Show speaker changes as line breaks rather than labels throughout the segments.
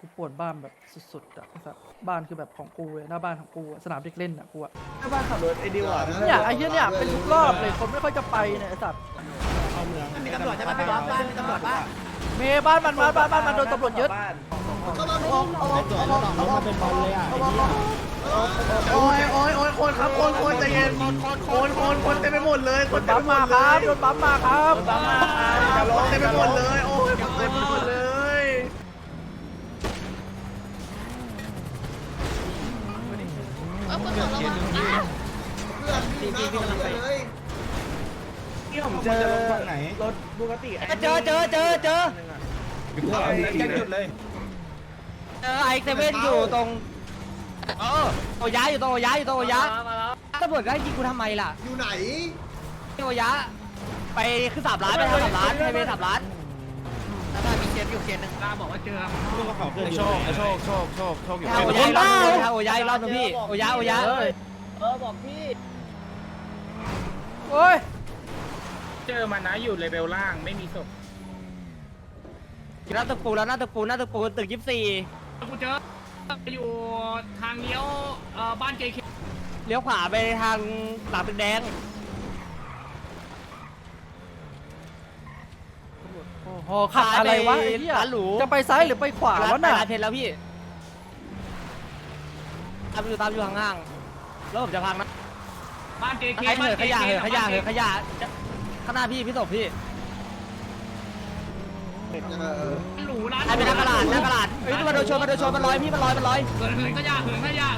กูปวดบ้านแบบสุดๆอะไอ้สัสบ้านคือแบบของกูเลยหน้าบ้านของกูอะสนามเด็กเล่นอะกูอะ
หน้าบ้านขับรถไอ้ดิวอ่ะ
เนี่ยไอ้เหี้ยเนี่ยเป็นทุกรอบเลยคนไม่ค่อยจะไปเนี่ยไอ้สัส
เข้าเมือง
มีตำรวจใช่ไหมพี่บอสบ้านมีตำรวจบ้าน
เมย์บ้านมันโดนตำรวจยึด
เข้ามาเอาเป็นบอลเลยอ่ะ
โอ้ยคนครับคนใจเย็นคนเต็มไปหมดเลย
โดนปั๊มมาครับโดนปั๊มมาครับ
อย่าร้องเต็มไปหมดเลยโอ้ยเต็มไปหมดเลย
ที่ผมเจอรถบูกติ
เจอ
ยังหยุดเลย
ไอเซเว่นอยู่ตรงโอยะอยู่ตรงโอยะตำรวจก็ยิงกูทำไมล่ะ
อยู่ไหน
โอยะไปขึ้น3 ล้านไปทำ3 ล้านไฮเวย์3 ล้านแล้วก็มีเคสอยู่เคสหนึ่งล่าบอกว่าเจอ
ลูกกระเป๋าเกิน
โชคอยู่
โอยะรอบนึงโอยะรอบนึงพี่โอยะ
บอกพี่โอ้ย
เจอมันนะอยู่เลเวลล่างไม่มีศพ
หน้าตึกปูแล้วหน้าตึกปูตึก
กูเจออยู่ทางเลี้ยวบ้านเจค
เลี้ยวขวาไปทางหลังตึกแดง
โอ้โหขับอะไรวะไอ้เหี้ย
ร้านหรู
จะไปซ้ายหรือไปขวาวะน่ะ
ร้านเพชรแล้วพี่ตามอยู่ห่างๆแล้วผมจะพังนะ
บ้านเจค
ไอ้เหอะขยะข้างหน้าพี่ศพพี่
หรูร้าน
ไอ้เป็นนักกระดาษเฮ้ยมันโดนชนมันลอยพี่มันลอย
เหินขยะ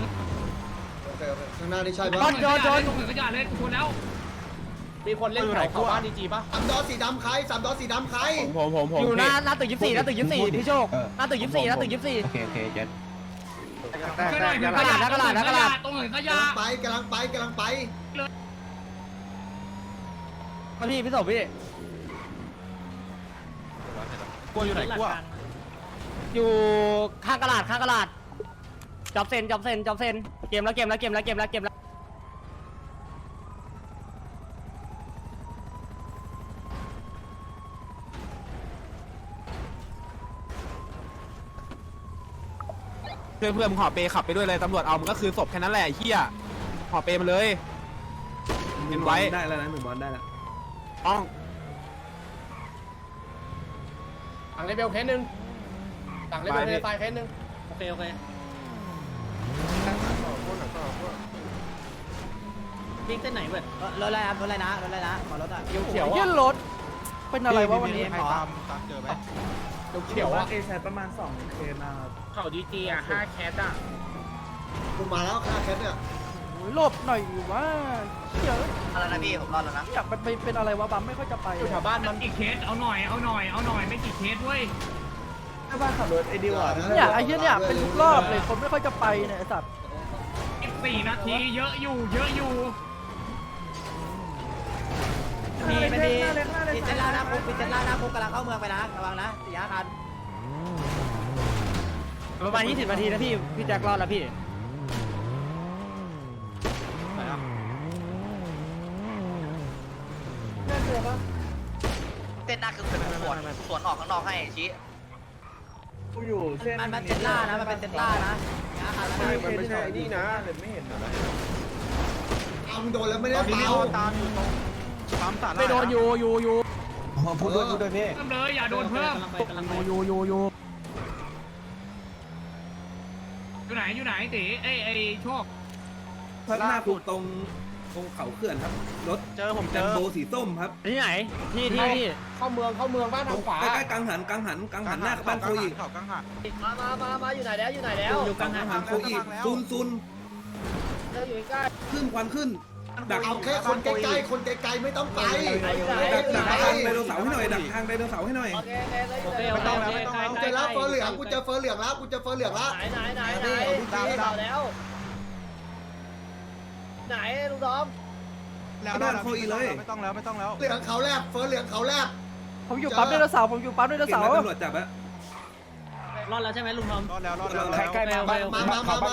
ข้างหน้านี่ใช่
โด
ปะ
น
เหินขยะเลยชนแล้ว
มีคนเล่นแถวเขาบ้านดีจีป่ะ
สามดอสีดำใคร
ผม
อยู่หน้าตึก24หน้าตึก24พี่โชคหน้าตึก24
โอเคเจ็ด
กระดาษ
ตรงเหินข
กำ
ยะ
ลังไป
มาพี่ศพพี่
กลัวอยู่ไหนกลัว
อยู่ข้างกระดาษจับเซนเกมแล้ว
เพื่อนมึงห่อเปขับไปด้วยเลยตำรวจเอามันก็คือศพแค่นั้นแหละเฮียห่อเปมันเลยเห็นไว้
ได้แล้วนะ1 บอลได้แล้ว
ต้อง
หลังเลเวลเคสหนึ่งหลังเลเวลเทเลไฟเคสหนึ่งโอเควิ่งเส้นไหนเว้ย
รถอะไรนะขอรถอ่ะ
เขียว
เหี้ยรถเป็นอะไรวะวันนี้
เจอไหม
เขียว
ว่า
อะ
เอแซประมาณ2 เคนะครับ
เขาดีจีอ่ะ5แคสอ่ะ
กูมาแล้วค่าแคทเนี่ย
โอ้ยหลบหน่อยว่าเหี้ย
อะไรนะพี่ผมรอแล้วนะ
อยากไปเป็นอะไรวะบัมไม่ค่อยจะไป
อยู่แถวบ้านมัน
กี่เคสเอาหน่อยไม่กี่เคสเว้ย
หน้าบ้านขับรถไอ้ดิวอ่ะ
เนี่ยไอ้เหี้ยเนี่ยเป็นทุกรอบเลยคนไม่ค่อยจะไปเนี่ยไอ้สัส
4 นาทีเยอะอยู่
มีเจล่าหน้าคุกกำลังเข้าเมืองไปนะระวังนะ4 คันประมาณ20 นาทีนะพี่แจ็ครอดแล้วพี่
เต้นหน้าคือเป็นสวนออกข้างนอกให้ชี้
กูอยู่เส้น
มันเจล่านะมันเป็นเจล่านะ4 คันแล้ว
มันไม่ใช่นี่นะแต่ไม่เห็นนะ
เอามึงโดนแล้วไม่ได้เปล่า
ตามอยู่ตรงปั๊มตัด
ไม่โดนอยู่
พูดด้วยพี่
เพิ่มเลยอย่าโดนเพิ่มอยู่ไหนตีไอ้โชค
พัฒนาคุกตรงเขาเขื่อนครับรถ
ผมเจ
แล
อ
มโบสีส้มครับ
ที่ไหนที่
เข้าเมืองบ้านทางขวา
ใกล้ๆกังหันหน้าบ้านโคอีก
มาอยู่ไหนแล้ว
อยู่กลาง
กังหันโคอีกซุน
อยู่ใกล้
ขึ้นควันขึ้นดัก
เอาแค่คนใกล้ไม่ต้องไป
ดักทางไดโนเสาร์ให้หน่อยดักทางไดโนเสาร์ให้หน่อย
กูเจอแล้วเฟอร์เหลืองกูเจอเฟอร์เหลืองแล้ว
ไหนลุงดอม
บ้านโคอีเลย
ไม่ต้องแล้ว
เหลืองเขาแลบเฟอร์เหลืองเขาแลบ
ผมอยู่ปั๊มไดโนเสาร์
เก่งนะตำรวจจับอะ
รอดแล้วใช่ไหมลุงทอม
รอดแล้ว
ใกล้ๆมา
มา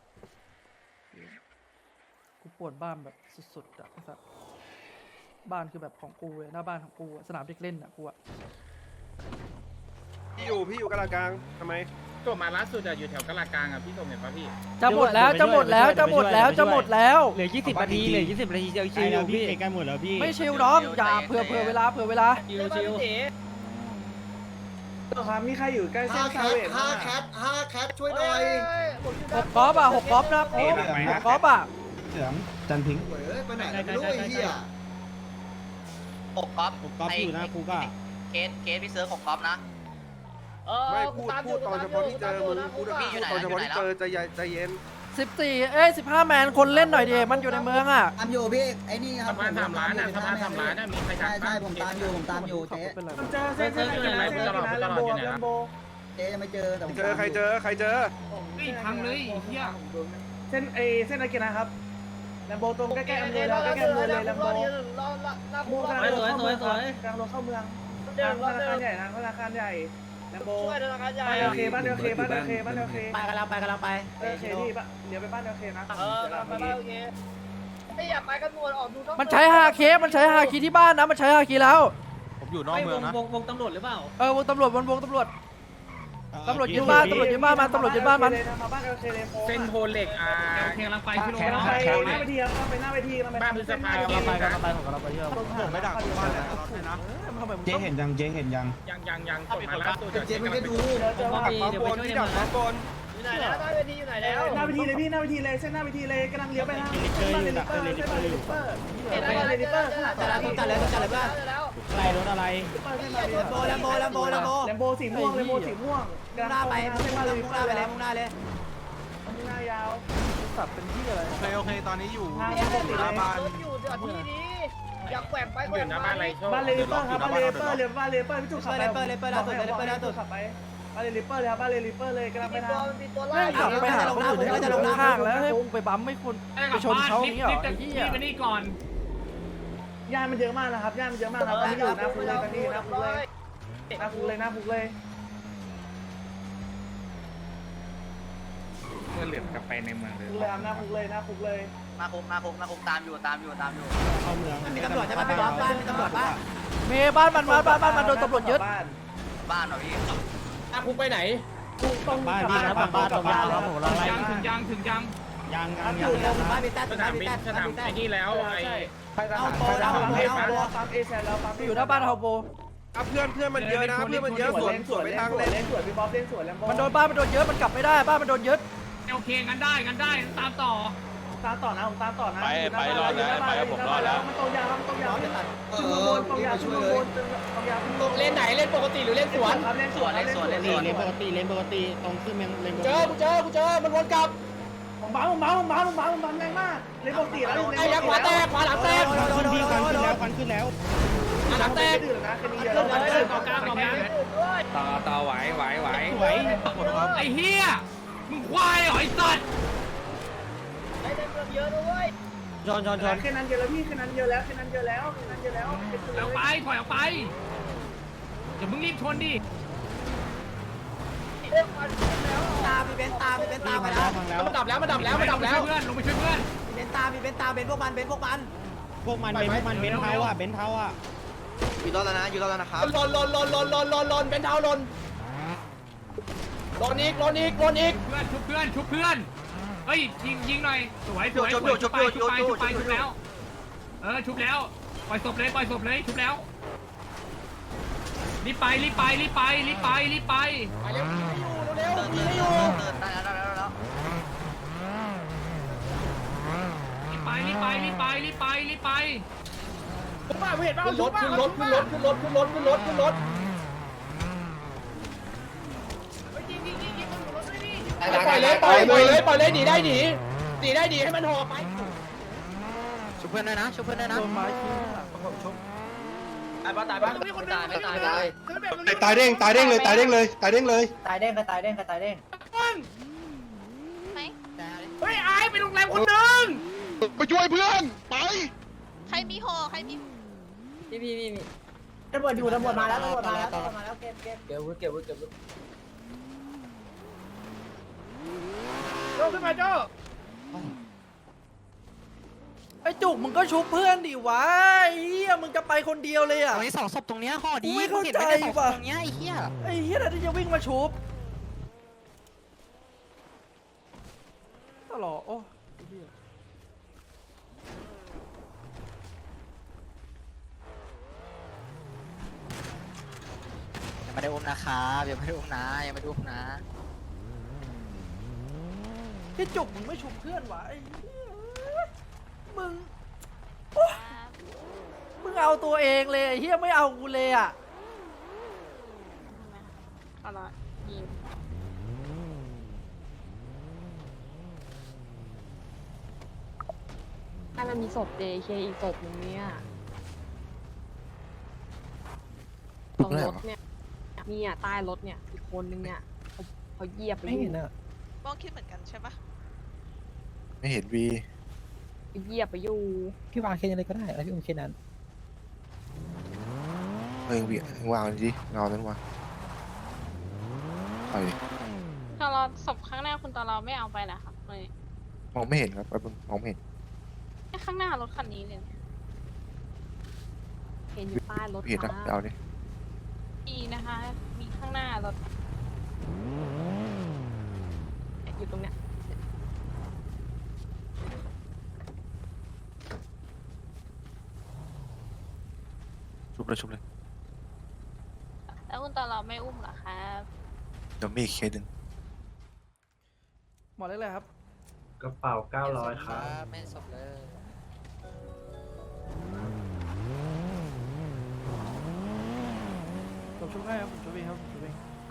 กูปวดบ้านแบบสุดๆอะไอ้สัสบ้านคือแบบของกูเลยหน้าบ้านของกูอะสนามเด็กเล่นอะกูอะ
พี่อยู่กลางทำไม
จบมาล่าสุดอยู่แถวกะลากลางอ่ะพี่ส่งเห็นป่ะพี่
จะหมดแล้วจะหมดแล้วจะหมดแล้วจะหมดแล้ว
เหลือ20นาทีเหลือ20นาทีจะชิวพี่
ใกล้หมดแล้วพี่
ไม่ชิวน้องอย่าเผื่อเวลาเวลา
ชิว
ครับมีใครอยู่ใกล้เส้นซาเวท5 แคทช่วยหน่อย
6กอล์ฟอ่ะ6กอล์ฟนะโค้ช6กอล์ฟอ่ะ
เสือมจันพิงค์
ไปไหนไม่รู้ไอ้เหี้ย
หกก๊อฟ
ผมก๊อฟอยู่นะครูก็
เคสพี่เซิร์ฟหกก๊อฟนะ
ไม่พูดตอนเฉพาะที่เจอมึงพูด
พี่อยู่ไหน
ตอนเฉพาะที่เจอ
แล้ว
ใจเย็น
15แมนคนเล่นหน่อยดิมันอยู่ในเมืองอ่ะ
ตามอยู่พี่ไอ้นี่ครั
สะ
บ
พาน3 ล้านอ่ะสะพาน3 ล้านอ่ะมีใคร
ใช่ใช่ผมตามอยู่เจ๊
เป็นไร
เจอเส้นแลมโบแลมโบ
เจ๊ยังไม่เจอแต่ผม
เจอใครเจอ
พังเลยเฮีย
เส้นอากินะครับแลมโบตรงใกล้ๆอำเภอแล้วใกล้ๆอำเภอเลยแลมโบมูกำลังรถเข้าเมืองกำลังรถเข้าเมืองทางธนาคารใหญ่ทางธนาคารใหญ่แลมโบบ้านเอลเคบ้านเอลเคบ้านเอลเคบ้านเอลเค
ไปกำลังไป
โอเคพี่เดี๋ยวไปบ้านเอลเคนะ
มันใช้5เคสมันใช้5คีที่บ้านนะมันใช้5คีแล้ว
ผมอยู่นอกเมืองนะ
วงตำรวจหรือเปล่า
วงตำรวจวงตำรวจยึดบ้านตำรวจยึดบ้านมันตำรวจยึดบ้านมัน
มาบ้านเอลเคเลย
เส้นโพเหล็กกำลังไปพี่โร
กำลัง
นะ
ไปหน้าเวทีครับไปหน้าเวที
บ้านพฤษภา
ผมกำลังไปเชื่อ
ผมไม่ดักบ้านเลยตลอดเลยนะ
เจ๊เห็นยังเจ๊เห็นยัง
ยังจบมาล่าสุด
เจ๊มันก็ดู
เจอว่า
เดี๋ยวไปช่วยในเมืองนะ
หน้าเวทีเลยพี่หน้าเวทีเลยเส้นหน้าเวทีเลยกำลังเลี้ยวไปทางเส้นบ้านเลนิเปอร์เส้นบ้านเลนิเปอร์เส้นบ้านเลนิเปอร์ข้างหลัง
จัดแล้วจัดแล้วจัดแล้วบ้างอะไรรถอะไร
แลมโบสีม่วงแลมโบสีม่วงกำลังไปเส้นบ้านเลนิเปอร์ไปแล้วมุ่งหน้ายาว
สับเป็นที่อะไร
โอเคตอนนี้อยู่
ทางปกติ
ห
เล
น้าย บ้าน
อยู่หน้าบ้านอะไรโชค
บ้านเลนิเปอร์ครับบ้านเลนิเปอร์เลยบ้านเลนิเปอร์พี่จุ๊ขับไปบ้านเลนิเปอร์เลยครับบ้านเลนิเปอร์เลยกำลังไปทาง
แม่งขับไปหาคนอื่นให้ลงข้างแล้วให้กูไปบั๊มไม่คุณไปชนเขาอย่างนี้เหรอไอ้เหี้ย
ไปนี่ก่อน
ย่านมันเยอะมากนะครับย่านมันเยอะมากครับตอนนี้อยู่หน้าคุกเลยตอนนี้หน้าคุกเลยหน้าคุกเลยหน้าคุกเลย
เพื่อเหลือกลับไปในเมืองเลย
คุกเลยครับหน้าคุกเลยหน้าคุกเลย
หน้าคุกตามอยู่
เข้าเมือง
มีตำรวจใช่ไหมไม่บอกบ้านมีตำรวจบ้าน
เมย์บ้านมันโดนตำรวจยึด
บ้านเหรอพี่
หน้าคุกไปไหน
คุกตรง
บ้าน
กลับ
พี่
บ้าน
นะ
กลับบ้านแล้ว
ถึงยัง
ยัง
อยู่ตรงบ้านมีแต้
สนามบินสนามไอ้นี่แล้วไอ้
ปั๊มเอแซนแล้วปั๊ม
อยู่หน้าบ้านเฮาโบ
เพื่อนมันเยอะนะเพื่อนมันเยอะสวนไปทางเลย
เล่นสวนพี่บ๊อบเล่นสวนแลมโบ
มันโดนบ้านมันโดนเยอะมันกลับไม่ได้บ้านมันโดนยึด
โอเคกันได้ตามต่อ
ตามต่อนะผมตามต่อนะ
ไปรอดแล้วไปกับผมรอดแล้ว
มันตรงยาวมันตรงยาวขึ้นบนตรงยาวขึ้นบนตรงยาวขึ้นบน
เล่นไหนเล่นปกติหรือเล่นสวน
ครับเล่นสวนเล่นสวน
เลนปกติตรงขึ้นเมืองเลนปก
เจ
ติ
อกูเจอมันวนกลับ
ผมบ้าแรงมากเล่นปกติแล้ว
ไอ้ยักษ์ขวาแตกขวาหลังแตก
พี่ควันขึ้นแล้ว
หลังแตก
ดื่มนะคืนนี้เยอะแล้ว
ต่อไหว
ไหว
ไอ้เฮียมึงควายเหรอไอ้สัตว์
ชน
แค่นั้นเยอะแล้วพี่แค่นั้นเยอะแล้ว
ออกไปถอยออกไปอย่ามึงรีบชนดิ
ตามีเบนตาไปแล้ว
ฟังแล้ว
มันดับแล้วมันดับแล้วมันดับแล้ว
ลงไปช่วยเพื่อน
เบนตามีเบนพวกมัน
พวกมันเบนเท้าอ่ะ
อยู่รอดแล้วนะครับ
ลนเป็นเท้าลนอีก
เพื่อนชุบเพื่อนเฮ้ยยิงหน่อยสวยชุบแล้วชุบแล้วปล่อยศพเลยชุบแล้วรีบไป
ไปเร็วไม่อยู่ได้แล้ว
รีบไป
ขึ้นรถปล่อยเลยหนีได้หนีให้มันห่อไป
ชุบเพื่อนด้วยนะชุบเพื่อนด้วยนะ
โดนไม้ทิ้ง
ตายปะ
ตาย
ตายเด้งเลย
ตายเด้ง
ไหม
เฮ้ยไอ้ไปโรงแรมคนนึง
ไปช่วยเพื่อนไป
ใครมีห่อใครมี
มีตำรวจมาแล้วเก็บ
โจ้ขึ้นมาโจ้
ไอ้จุกมึงก็ชุบเพื่อนดิวะไอ้เหี้ยมึงจะไปคนเดียวเลยอ่ะ
ตรงนี้2ศพตรงเนี้ยห่อดี
ไม่เข้าใจ
เห็นไหมได้2ศพ
ว่ะ
ตรงเนี้ยไอ้เหี้ย
ไอ้เหี้ยน่าจะวิ่งมาชุบรอโอ้เหี้ย
ยังไม่ได้อุ้มนะครับยังไม่ได้อุ้มนะยังไม่ได้อุ้มนะ
ที่จุกมึงไม่ชุบเพื่อนวะไอ้เหี้ยมึงโอ๊ยมึงเอาตัวเองเลยไอ้เฮียไม่เอากูเลยอ่ะ
ตลอดยิง
ถ้ามันมีศพ JK อีกศพหนึงเนี่ยตรงรถเนี่ยเนี่ยใต้รถเนี่ยอีกคนนึงเนี่ยเขาเหยียบไปอยู่
บ้องคิดเหมือนกันใช่ปะ
ไม่เห็นวี
เขาเหยียบไปอยู่
พี่วางเคสอะไรก็ได้แล้วพี่อุ้มเคสนั้น
วีวางดิเงานั้นวางไปดิ
ตอนเราศพข้างหน้าคุณตอนเราไม่เอาไปเหรอครับเลย
มองไม่เห็นครับมองไม่เห็น
แค่ข้างหน้ารถคันนี้เลยเห็นอยู่ใต้รถ
ไม่เห็นนะ
ค่ะ
เอาดิ
มีนะคะ มีข้างหน้ารถอยู่ตรงเนี้ย
ชุบเลย
แล้วคุณตอนเราไม่อุ้มเหรอครับ
เดี๋ยวมีอีกเคสหนึ่ง
หมอเล็กเลยครับ
กระเป๋า900ครับ
ไม่ศพเลย
ผมชุบให้ครับผมชุบเองครับผมชุบเอง
ครับ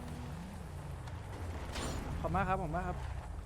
ขอบมากครับขอบมากครับ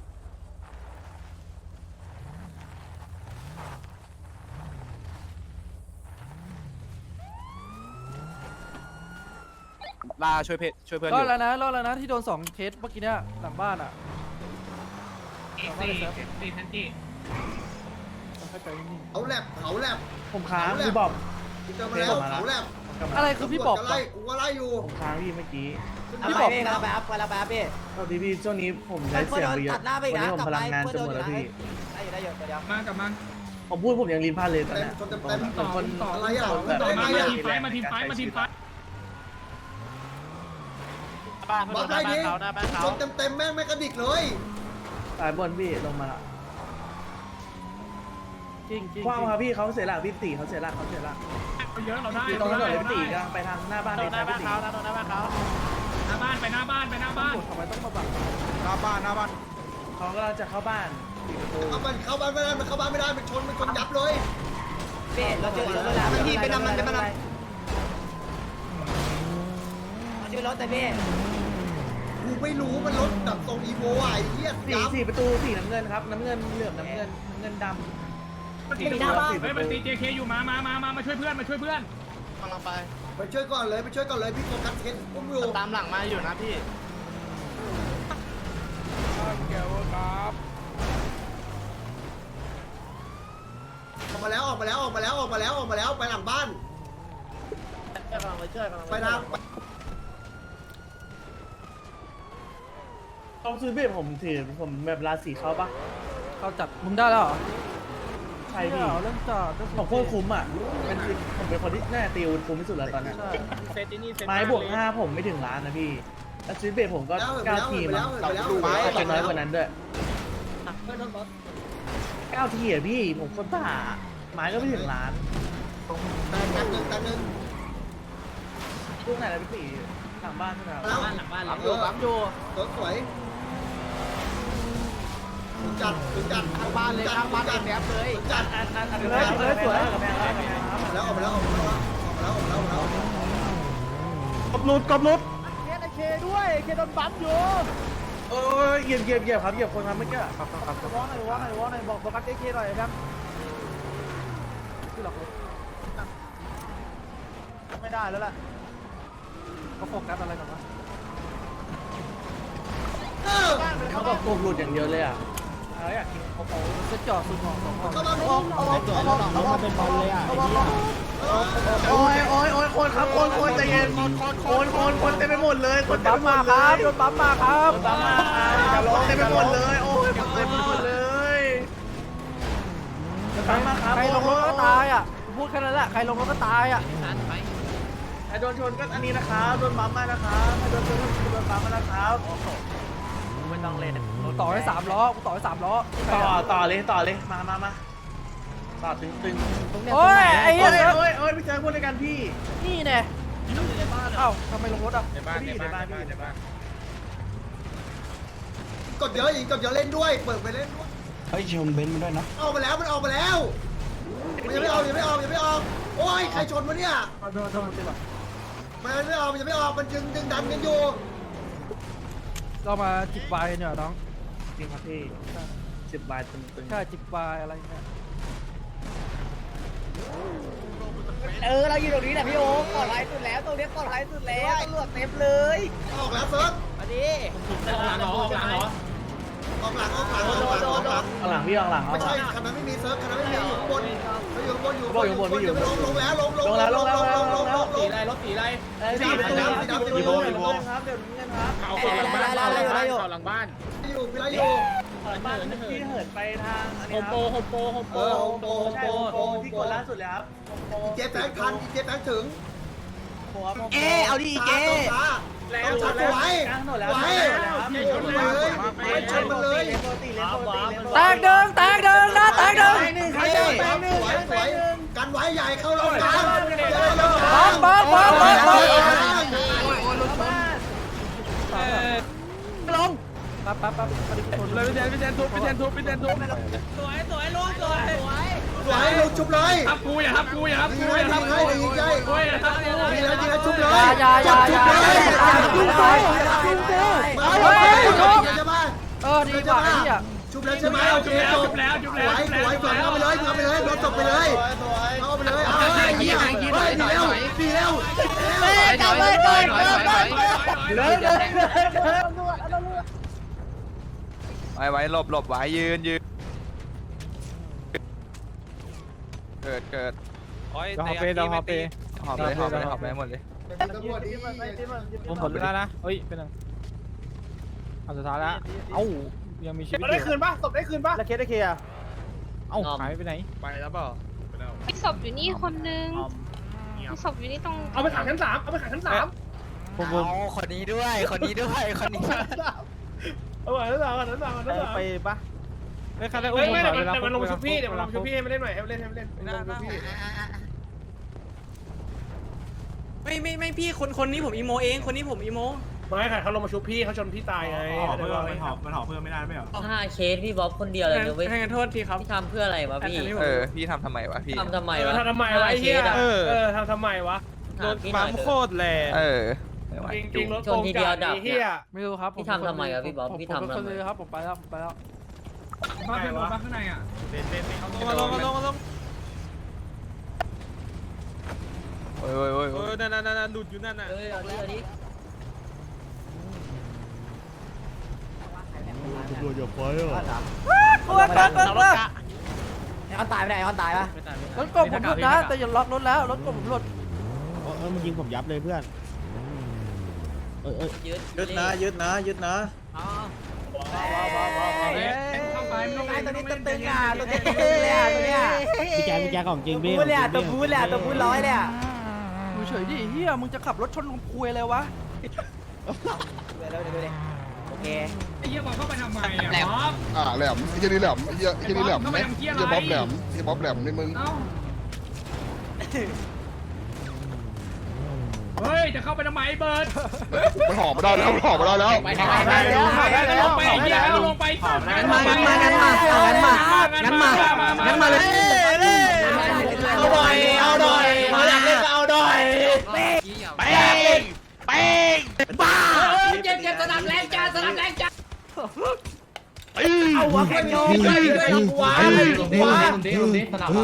ลาช่วยช่วยเพื่อน
ร
อ
อด
ยู่
แล้วนะรอดแล้วนะที่โดน2เคสเมื่อกี้เนี่ยหลังบ้านอ่ะ
เอ็กซี่ทันจี
ต้องเข้าใจนิ่ง
เขาแลบเขาแลบ
ผมค้างพี่บอบ
เจอมาแล้วเขาแลบ
ๆอะไรคือพี่บอก
ไล่กูว่าไล่อยู่
ผมค้างพี่เมื่อกี้
พี่บอก
ไปแล้วพี่
ตอนนี้พี่ช่วงนี้ผมใช้เสียงไปเยอะวันนี้ผมพลังงานจะหมดแล้วพี่
ได้อยู่เดี๋ยว
มากับมัน
ผมพูดผมยังลิ้นพันเลยตอน
เต็ม
เนี้ย
คนเต็ม
ต่อ
คน
อะไรอ่ะ
ต่อมา
อะไร
ทีม
อ่ะ
ไฟมาทีมไฟมาทีมไฟ
บอกได้ดิคนเต็มแม่งไม่กระดิกเลย
สายบนพี่ลงมาละ
จริงจริง
คว้างครับพี่เขาเสียหลักพี่ตีเขาเสียหลัก
เยอะเราได้
ตรงถนนพี่ตีกำลังไปทางหน้าบ้านพี่ตี
หน้าบ้านไปหน้าบ้าน
ตำรวจทำไมต้องมาบัง
หน้าบ้าน
เขากำลังจะเข้าบ้านปิดประตู
เข้าบ้านไม่ได้มันเข้าบ้านไม่ได้มันชนยับเลย
เราเจอรถแล้วพี่ไปนำมันไปนำเจอรถแต่พี่
กูไม่รู้มันรถแบบทรงอีโวไอ้เหี้ยยับ
สี่ประตูสีน้ำเงินครับน้ำเงินเหลือบน้ำเงินดำ
มันตีหน้าบ้านมันตี JK อยู่มาช่วยเพื่อน
ไปช่วยก่อนเลยพี่โฟกัสเคสอุ้มอยู่
ตามหลังมาอยู่นะพี่
ออกมาแล้วไปหลังบ้านไปทาง
ต้องซื้อเบ็ดผมถือผมแบบราศีเขาปะ
เขาจัดมึงได้แล้วเหรอ
ใช่พี่
เรื่องจัด
ผมโคตรคุ้มอ่ะผมเป็นคนที่น่าตีอาวุธคุ้มที่สุดแล้วตอนนี้
ใช่
ไม้บวก5ผมไม่ถึงล้านนะพี่แล้วซื้อเบ็ดผมก็9ทีมั้งอาจจะน้อยกว่านั้นด้วย9ทีอ่ะพี่ผมคนบ้าไม้ก็ไม่ถึงล้าน
ตันหนึ่ง
ลูกไหนแล้วพี่ตีหลังบ้านใช่ไหมครับ
หลังบ้านปั๊มอยู่สวยจัดทางบ้านเลยทางบ้านแอบเลยจัด
เลยสวย
แล้วออกมาแล้ว
กบลุดเคด้วยเคโดนปั๊มอยู่โอ้ยเหยียบครับเหยียบคนครับเมื่อกี้ครับร้องหน่อยบอกโฟกัสเคหน่อยครับที่หลอกเลยไม่ได้แล้วล่ะ
เขาโฟกัสอะไรกันวะ
เขาบอกกบหลุดอย่างเดียวเลยอ่ะอยากกินเขา
จะจ่อสุดหมองสองคน
เข้ามา
น้องมาเป็นบอลเลยอ่ะไอ้เหี้ย
โอ้ยคนครับคนใจเย็นคนเต็มไปหมดเลยคนเต็มไปหมดเลย
โดนปั๊มมาครับ
ตามมาเต็มไปหมดเลยโอ้ยเต็มไปหมดเลยตามมาครับ
ใครลงรถก็ตายอ่ะพูดแค่นั้นแหละใครลงรถก็ตายอ่ะ
ใครโดนชนก็อันนี้นะครับโดนปั๊มมานะครับใครโดนชนก็โดนปั๊มมานะครับ
ไม่ต
ต้องเล่น
ต่อให้3 ล้อกูต่อให้3 ล้อ
ต่อเลยมาต่อตึง
โอ้ยไอ้เหี้ย
โอ้ยพี่เจอพูดด้วยกันพี่
นี่แน่เอ้าทำไมลงรถอ่ะ
ในบ้านในบ้านในบ้าน
กดเยอะอีกกดเยอะเล่นด้วยเปิดไปเล่นด้วย
เฮ้ยชนเบนซ์มาด้วยนะ
ออกมาแล้วมันออกมาแล้วมันยังไม่ออกโอ้ยใครชนวะเนี่ยมันไม่ออกมันดึงดันกันอยู่
ก็มาจิบวายเนี่ยน้อง
จริงครับพี่10 บาทตึง
ใช่จิบวายอะไรเนี่ย
เราอยู่ตรงนี้แหละพี่โอ๊คปลอดภัยสุดแล้วตรงนี้ปลอดภัยสุดแล้วตำรวจเต็มเลย
ออกแล้วเซิร์ฟ
มาดิ
ออกหลัง
ๆเอาหลังพี่เอาหลัง
ไม่ใช่คันนั้นไม่มีเซิร์ฟคันนั้นไม่มีอยู่บนอยู่บนลงแล้วลง
ตีไรรถตีไร
สีดำ
ครับเดี๋ยวเงินครับ
เอาเข้าหลังบ้านเข้าหลังบ้าน
อยู่พี่ไรอยู่
บ้านพี่เหินไปทางอัน
โฮ
นี้
ม
ค
โป
รับ
โฮมโป
ใช่โปที่กดล่าสุดเลยครับ
เจ๊แฟงทันเจ๊แฟงถึง
เอาดิเก
แล้ว
จัดไว้
กลางถนนแล้ว
ไว้ชนมันเลย
แตกเดิงนะแตกเดิง
สวยกันไว้ใหญ่เข้าลงกลาง
บัง
ลง
ปั๊บพอดีคน
เลยพี่แทนทุบ
สวยลงชุบเลย
ทับกูอย่าทับกูอย่าทับ
ยิ
กู
ง
อย่าทับกู
ให้ยิงให้
โอ้ยอย่าทับกู
ยิงแล้วชุบเลย
อย่า
ชุบเลยจะมา
ดีกว่าไอ้เหี้ย
ชุบแล้วใช่ไหมโอเค
แล้ว
จ
จุ
บบ
แล้วจุบ
ส
แล้ว
วย
จุบ
ส
แล้ว
วยก่อนเอาไปเลยรถจบไปเลยเอาไปเลยดีแล้ว
กลับเลยก่อน
ไว้หลบไว้ยืนเกิดหอบเลยหมดเลย
ผม
หมดแล้วนะเฮ้ยเป็นยังอันสุดท้ายแล้วเอ้ายังมีชีวิต
ได้คืนปะศพได้คืนปะ
แล้วเคสได้เคลียร์
เอ้าหายไปไหน
ไปแล้วเปล่า
มีศพอยู่นี่คนนึงมีศพอยู่นี่ตรง
เอาไปขังชั้น 3เอาไปขังชั้น 3
คนนี้ด้วยคนนี้
เอาไปชั้น 3
ไปปะ
ไม่คันได้
เฮ้ยไม่เดี๋ยวมันลงชุบพี่เดี๋ยวมันลงชุบพี่ให้มาเล่นหน่อยให้มาเล่นลงชุบพี่
ไม่พี่คนนี้ผมอีโมเองคนนี้ผมอีโม
ไม่ค่ะเขาลงมาชุบพี่เขาชนพี่ตายไง
มันหอบเพิ่มไม่ได้ไม่หรอ
5 เคสพี่บ๊อบคนเดียวเลยนะเว้ย
ให้กันโทษทีครับ
พี่ทำเพื่ออะไรวะพี่
พี่ทำไมวะพี่
ทำทำไมวะ
ทำไมวะไอ้เหี้ยทำทำไมวะ
โดนปั๊มโคตร
จริงรถ
ชนทีเดียวดับ
เหี้ย
ไม่รู้ครับ
พี่ทำทำไมอะพี่บ๊อบ
ผม
พี่ทำ
เป็นคน
ทำไม
เลยครับผมไปแล้ว
บ้านเป็นรถบ้านข้างในอ่ะ
มาลงโอ้ยนั่นหลุดอยู่นั่นน่ะ
เอาดิ
กลัว
เอาตายไปไหนเอาตายปะ
รถกบผมหลุดนะแต่อย่าล็อกรถแล้วรถกบผมหลุด
มันยิงผมยับเลยเพื่อน
ยึดนะ
เข้าไปไม่ต้องเล่น
ตัวนี้ตึงอ่ะตัวนี้ตึงเลยอ่ะตัวเนี้ย
พี่แจ๊ของจริงพี่
บู๊เลยอ่ะตัวบู๊เลยอ่ะตัวบู๊ร้อยเลยอ่ะ
ดูเฉยดิเฮียมึงจะขับรถชนลุงคุยเลยวะ
ดูดิโอเค
ไอ้เหี้ยบอกเข้าไปทำไมอ่ะบ๊อบ
แหลมไอ้เหี้ยนี่แหลมไอ้เหี้ยนี่แหลมไหมเหี้ยบ๊อบแหลมนี่มึง
เอ้าเฮ้ยจะเข้าไปทำไมเบิร์ด
มันหอบมาได้แล้วลงไปเหี้ย
ลงไป
งั้นมาเลย
เอาหน่อยมาอยากเล่นก็เอาหน่อย
บ้า
เจ็บสนับแรงจ้า
เอาวะคนโยนไปด้วยลำวานลงดิสนับ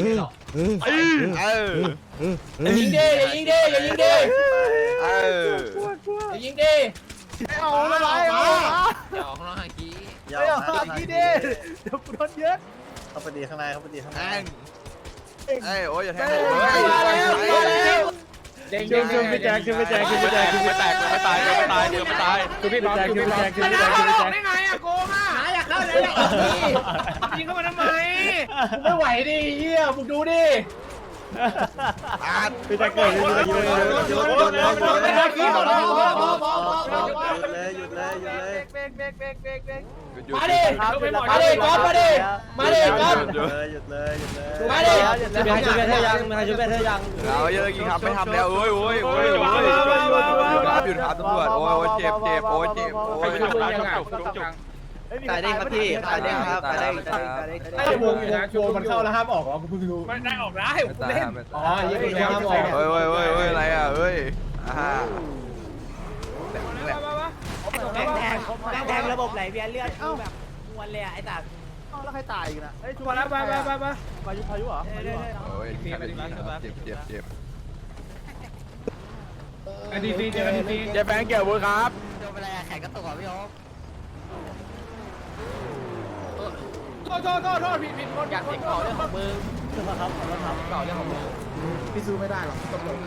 ยิงดิยิงดิเอาอะไรเดี๋ยวข้างนอกหากี้เดี๋ยวกูโดนเยอะเข้าไปดีข้างใน
โอ้ยอย่าแทง
เด้งพี่แจ๊คไม่ตายคือพี่บ๊อบได้ไงอะโกงอะอยากเข้าเลยยิงเข้ามาทำไมไม่ไหวดิเฮียมึงดูดิ
พี่จะเกิดพี่จะเกิด
มาดิมาดิก๊อฟมาดิมาดิก๊อฟมาดิ
มีใครชุบเพื่อนเธอยังมีใครชุบเพื่อนเธอยัง
เราเยอะกี่ครับไม่ทำแล้วโอ้ยหยุดครับตำรวจโอ้ยเจ็บโอ้ยเจ็บโอ้ย
ตายได้ครับพี่ตายได้ครับตายได้
ไอ้วงมันเข้าแล้วห้ามออกเหรอกูเพิ่งรู้มันได้ออกได้ผมเล่นอ๋อยี่สิบห้ามออก
เฮ้ยอะไรอ่ะเฮ้ย
แดงระบบไหลเวียนเลือดคือแบบมวนเลยไอ้ตา
แล้วใครตายอีกนะเฮ้ยชุบ
มาแล้วไป
พายุเหรอ
โอ้ยเจ็บ
อดีซีเจออดีซี
เจ็บแบงค์เกี่ยวบุญครับ
โดนไปแล้วแขนกระตุกอ่ะพี่โอ๊ค
โทษผิดคน
อยากเด็กก่อเรื่องของมึงคือมาครับขอโทษครับก่อเรื่องของมึง
พี่สู้ไม่ได้หรอกตำรวจ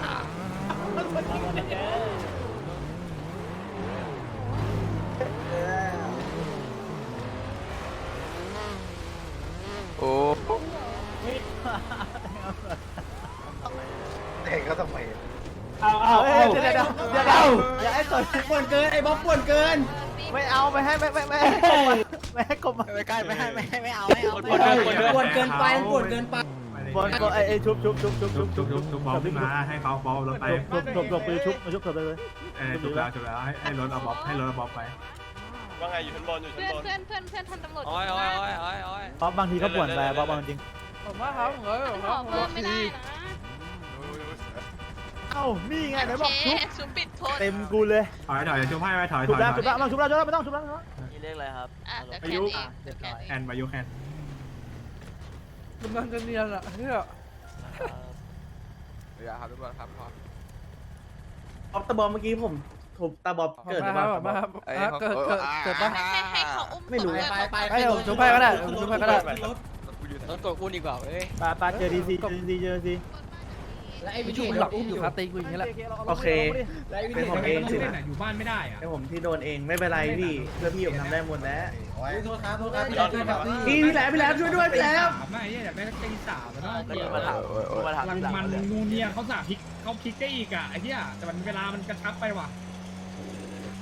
โอ้
เด็กก็ต้องไป
เอาเดี๋ยวอย่าให้ต่อย
ป่วนเกินไอ้บ๊อบป่วนเกิน
ไม่เอาไม่ให้ไม่ให้กบ
ไม่ใกล้ไม่เอา
ป่วนเกินไปป่วนเกินไป
บอลก็ไอ้ชุบ
ชุบบอลขึ้นมาให้เขาบอลรถไป
ชุบไปชุบมาชุบเกิดไปเลย
ชุบแล้วให้รถเอาบอลไป
ว่าไงอยู่ชั้นบนเพื่อนทันตำรวจ
เพราะบางทีก็ป่วนไปเพราะบางจริง
ผมว่าเขาขอเพิ่มไม่ได้นะ
เอ้านี่ไงไหนบอกชุบ
ชุบปิดโทษ
เต็มกูเลย
ถอยชุบให้ไหมถอย
ชุบแล้วไม่ต้องชุบแล้ว
นี่เรียกอะไรครับ
เดี๋ยวแคนเอง
แอนมายุแคน
มันนั่งกันเนียนอ่ะเฮ้ย
อย่าครับทุกคนครับพอ
ออฟตาบอมเมื่อกี้ผมถูกตาบอมเกิดหรือเปล่า
เกิดปะ
ให้เขาอุ้ม
ไม่รู้
ให้ผมชุบให้ก็ได้ชุบให้ก็ได้
รถตัวคุณดีกว่าเว้ย
ปาเจอดีซีเจอดี
และไอ้วิ
ชุ
ธี
บหลักอุ้มอยู่คาตีกูอย่างนี้แหละ
โอเค
และไอ้วิ
เป็
ธี
นผมเองสินะ
อยู่บ้านไม่ได้อะ
เป็นผมที่โดนเองไม่เป็นไรพี่เพื่อพี่ผมทำได้หมดแล้ว
โทษครับพี่
พี่แหลมช่วยด้วยพี่แหลม
ไม่อยากได้ตีสามแล้ว
มาถาม
มันนูเนียเขาสาพลิกเขาพลิกได้อีกอ่ะไอ้เหี้ยแต่มันเวลามันกระชับไปว่ะ